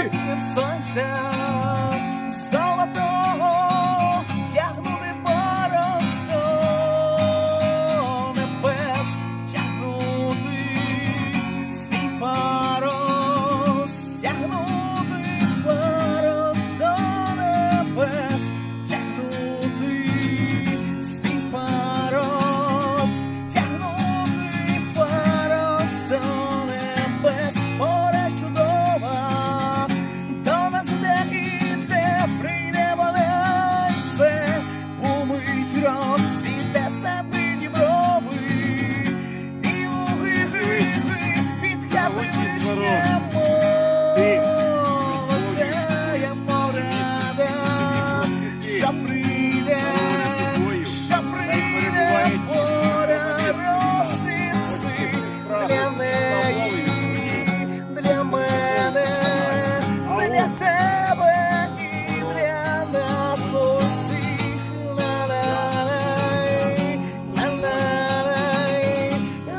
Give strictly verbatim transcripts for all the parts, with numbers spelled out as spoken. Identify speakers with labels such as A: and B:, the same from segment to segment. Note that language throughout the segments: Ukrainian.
A: Ой!
B: Сонця золотого тягнути просто небес, тягнути свій парус, тягнути парус до небес, тягнути свій парус, тягнути парус до небес. Море чудова, до нас де іде, прийде вода, і все умить розцвіте себе діброви, і луги під хати лише молодеє мореда, що прийде, що прийде пора розцвісти для неї, для мене, для тебе і для нас усіх. Ла-ла-лай, ла-ла-лай,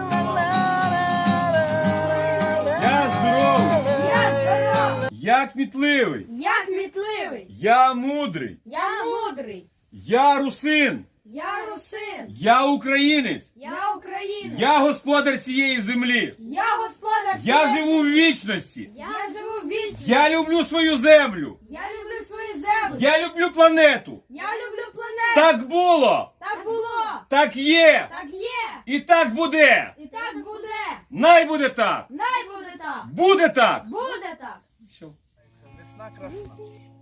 B: ла-ла-лай.
A: Я здоровий,
C: Я здоровий,
A: я кмітливий,
C: я кмітливий,
A: я мудрий,
C: я мудрий,
A: я русин,
C: я русин,
A: я українець,
C: я українець,
A: я господар цієї землі.
C: я господар.
A: Я
C: цієї-
A: живу в вічності.
C: Я живу вічно.
A: Я люблю свою землю.
C: Я люблю свою землю.
A: Я люблю планету.
C: Я люблю планету.
A: Так було,
C: Так було.
A: так є
C: Так є.
A: і так буде.
C: І так буде.
A: Най буде так.
C: Най буде так.
A: Буде так.
C: Буде так.
A: Все.
B: Весна красна.